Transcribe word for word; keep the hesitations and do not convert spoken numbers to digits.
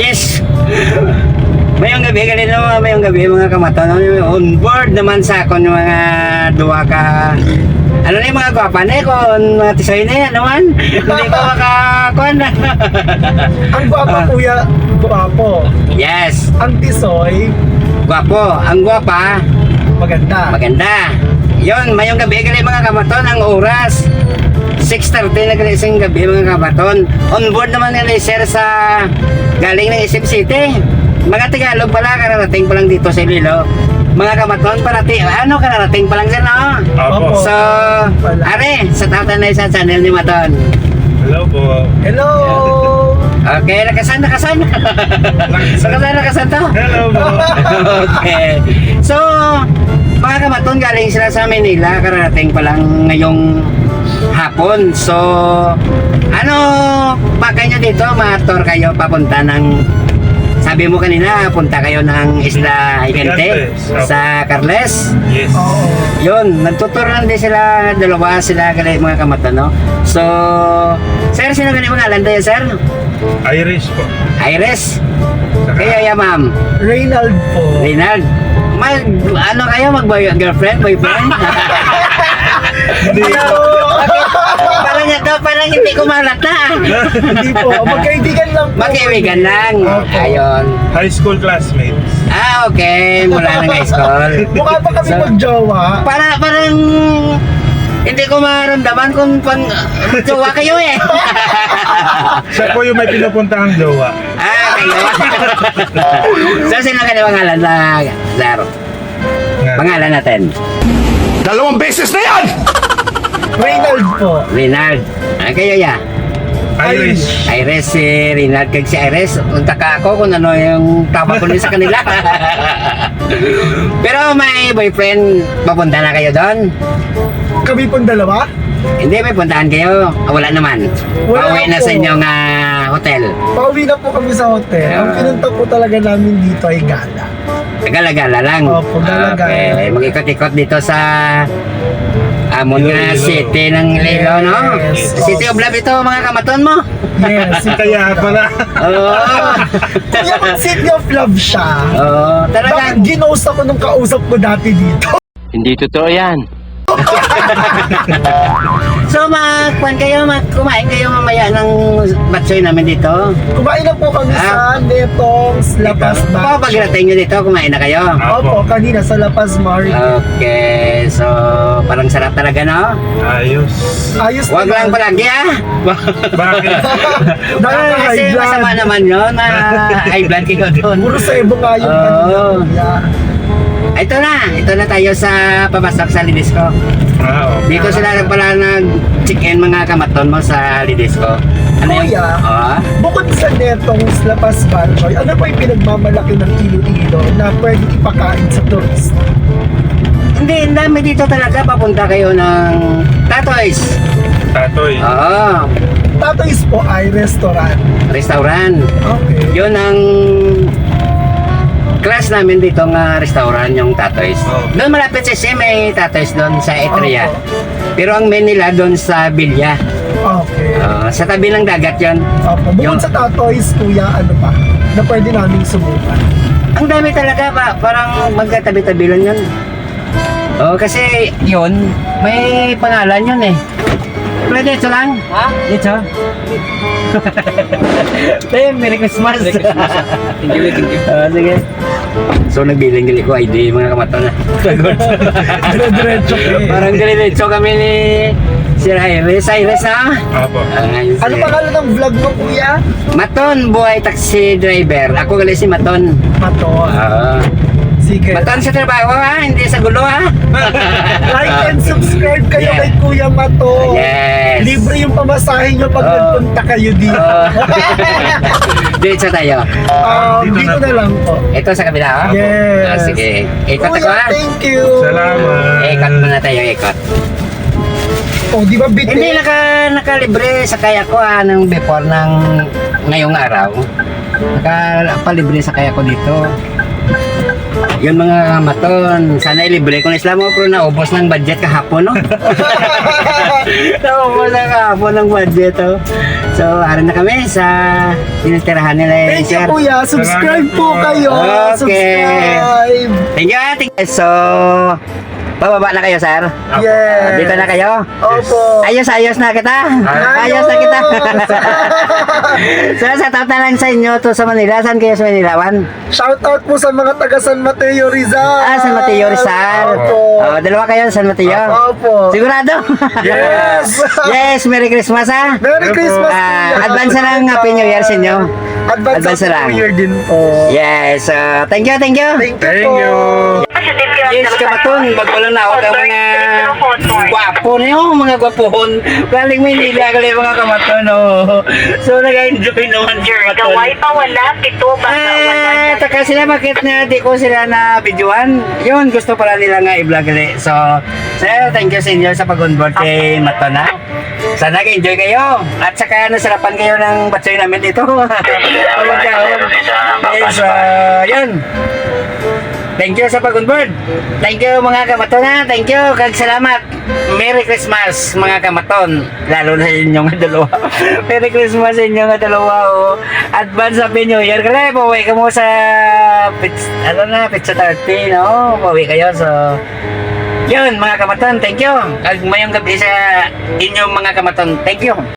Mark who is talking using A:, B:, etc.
A: Yes! Mayong gabi, galing naman, mayong gabi mga kamaton. On board naman sa akon yung mga duwa ka... Ano na yung mga gwapa na kung mga tisoy na yan naman. Hindi ko makakuan na.
B: Ang gwapa kuya, gwapo.
A: Yes!
B: Ang tisoy,
A: Gwapo. Ang gwapa,
B: maganda.
A: maganda. Yun, mayong gabi, galing mga kamaton. Ang oras, six thirty na galing gabi mga kamaton. On board naman yung sir sa galing ng Isip City. Mga Tagalog pala, kararating pa lang dito sa Iloilo. Mga kamaton, parating, ano, kararating pa lang sir, no?
C: Opo.
A: So, are, sa tatanay sa channel ni Maton.
C: Hello po.
B: Hello!
A: Okay, nakasan, nakasan. nakasan, nakasan to.
C: Hello po.
A: Okay. So, mga kamaton, galing sila sa Manila, kararating pa lang ngayong hapon. So, ano, baka nyo dito, ma-tour kayo papunta ng, sabi mo kanina, punta kayo ng Isla Higante sa Carles.
C: Yes.
B: Oo.
A: Yun, nagtuturo lang din sila, dalawa sila galing mga kamaton, no? So, sir, sino galing mga alanda yan, sir?
C: Irish po.
A: Iris?
C: Saka-
A: Kayo, ya, ma'am?
B: Reynald po.
A: Reynald? Mag, ano kayo, mag-girlfriend, boyfriend?
C: Hindi po.
A: Parang ito, parang hindi ko malata.
B: Hindi po. Magkaibigan lang po.
A: Magkaibigan lang.
B: Opo.
A: Ayun.
C: High school classmates.
A: Ah, okay. Mula ng high school.
B: Mukha pa kami
A: So,
B: magjowa.
A: Para, parang hindi ko maramdaman kung pang jowa kayo eh.
C: Siya po yung may pinupuntahang jowa.
A: Ah, kayo. So, sino ka na pangalan na, Zaro?
C: Nga.
A: Pangalan natin.
D: Dalawang beses na yan!
B: Reynald po.
A: Reynald. Ah, kayo ya.
C: Irish.
A: Iris, si Reynald, kag si Iris, unta ka ako kung ano yung tama ko din sa kanila. Pero may boyfriend, papunta na kayo doon?
B: Kami pong dalawa.
A: Hindi, may puntahan kayo. Ah, wala naman.
B: Wala
A: Pauwi na
B: po.
A: sa inyong ah, hotel.
B: Pauwi na po kami sa hotel. Ang
A: Ah.
B: pinunta po talaga namin dito ay gala.
A: Gala-gala lang.
B: Opo, gala-gala.
A: Okay, mag-ikot-ikot dito sa Amon nga
C: Iloilo.
A: City ng Iloilo, no?
B: Yes.
A: City of Love ito, mga kamaton mo.
B: Yes.
C: Kaya pala.
A: Oo.
B: Kuya, mag City of Love siya.
A: Oo,
B: Bakit
A: talagang.
B: ginost ako nung kausap ko dati dito?
D: Hindi totoo yan.
A: So, magkuhan kayo, magkumain kayo mamaya ng batsoy namin dito.
B: Kumain na po kami
A: Ah.
B: sa Netong's La Paz
A: Ito.
B: Bar.
A: O, pagdating nyo dito, kumain na kayo.
B: Opo, kanina sa La Paz Market.
A: Okay, so parang sarap talaga, no?
C: Ayos.
B: Ayos
A: Huwag lang palagi, ah.
C: Bakit?
B: Dahil
A: Kasi
B: high blood.
A: masama naman yun, na high blood kayo doon.
B: Puro sebo nga yung
A: Oo.
B: kanina. kuya.
A: Ito na, ito na tayo sa papasok sa Lidisco.
C: Ah, okay.
A: Dito sila pala nag-check-in mga kamaton mo sa Lidisco. Ano yung...
B: Kuya.
A: Oo.
B: Bukod sa Netong's La Paz Bar, Choy, ano pa yung pinagmamalaki ng Iloilo na pwede ipakain sa turista?
A: Hindi, ang dami dito talaga. Papunta kayo ng Tatoys.
C: Tatoy.
A: Oo.
B: Tatoy's po ay restaurant.
A: Restaurant.
B: Okay.
A: Yun ang class namin dito nga restaurant, yung Tatoys.
C: Oh.
A: Doon malapit sa S M, may Tatoys doon sa Etria.
B: Opo.
A: Pero ang main nila doon sa Bilya.
B: Okay.
A: Oo, sa tabi ng dagat yon.
B: Opo. Bukod
A: Yung-
B: sa Tatoy's, kuya, ano pa? Na pwede namin subukan.
A: Ang dami talaga pa, parang magkatabi-tabi lang yun. Oo, kasi yun, may pangalan yun eh. Pero dito lang. Ha? Dito. Hey, Merry Christmas. Merry Christmas. Thank you, thank you. Ah, sige. So, nagbiling-gali ko I D, mga kamaton na.
B: Dire-diretso kayo.
A: Parang diretso kami ni Sir Iris. Iris na?
C: Apo.
A: Ah, ngayon
B: Ano
A: si-
B: pangalan ng vlog mo, kuya?
A: Maton, buhay taxi driver. Ako gali si Maton.
B: Maton.
A: Ah.
B: Sige.
A: Maton sa trabaho ha, hindi sa gulo ha.
B: Like and subscribe kayo
A: Yeah.
B: kay Kuya Maton.
A: Yes.
B: Libre yung pamasahe nyo pag
A: Oh.
B: nagpunta kayo dito.
A: Oh. Dito tayo.
B: Um,
C: Dito
B: dito
C: na
B: na lang po.
A: Ito sa kabila ha?
B: Yes.
A: Ah, sige. Ikot ako
B: Kuya,
A: ha.
B: thank you.
C: Salamat.
A: Ikot muna tayo, ikot.
B: Oh, di ba bitin?
A: Hindi naka, nakalibre sa kaya ko ha, nung before ng ngayong araw. Nakapalibre sa kaya ko dito. Yun mga kamaton, sana ilibre ko na sila mo pero naubos ng budget kahapon no? Naubos na kahapon ng budget oh. So, aran na kami sa tinitirahan nila eh,
B: Thank you,
A: sir.
B: kuya. Subscribe
C: Salamat
B: po
C: po.
B: kayo.
A: Okay.
B: Subscribe.
A: Thank you, ate. So, bababa na kayo, sir.
B: Yes.
A: Dito na kayo.
B: Opo.
A: Ayos-ayos na kita. Ayos na kita. So, sa taot na lang sa inyo to sa Manila. Saan kayo sa Manila, Wan?
B: Shout out po sa mga taga San Mateo Rizal.
A: Ah, San Mateo Rizal.
B: Opo.
A: Oh, dalawa kayo sa San Mateo.
B: Opo.
A: Sigurado?
B: Yes.
A: Yes, Merry Christmas, ha?
B: Merry Christmas.
A: Ah,
B: kuya.
A: advance na lang Happy New Year sa inyo.
B: Advance,
A: Advance na lang.
B: Happy New Year din po.
A: Yes, uh, thank you, thank you.
B: Thank you
C: Thank
B: po.
C: you.
A: Yes, kamatun, magkulang na ako ng mga gwapo niyo, mga gwapohon. Galing Maynila, galing mga kamatun, oh. So, nag-enjoy naman si kamatun.
E: Gaway pa wala, pito ba
A: Ah, taka sila, bakit na di ko sila na videoan? Yun, gusto pala nila nga i-vlog ulit. So, sir, thank you sa inyo sa pag-onboard kay Matona. Sana nag-enjoy kayo. At saka nasarapan kayo ng batsoy namin dito. Pagkahon. Yes, uh, yun. Thank you sa pag-onboard. Thank you mga kamatona. Thank you. Kag salamat. Merry Christmas mga kamaton. Lalo na sa inyong dalawa. Merry Christmas sa inyong dalawa. Oh. Advance Happy New Year. Kaya pauwi ka mo sa pizza, ano na, pizza thirty. No? Pauwi kayo. So, yun mga kamaton. Thank you. Kag mayong gabi sa inyong mga kamaton. Thank you.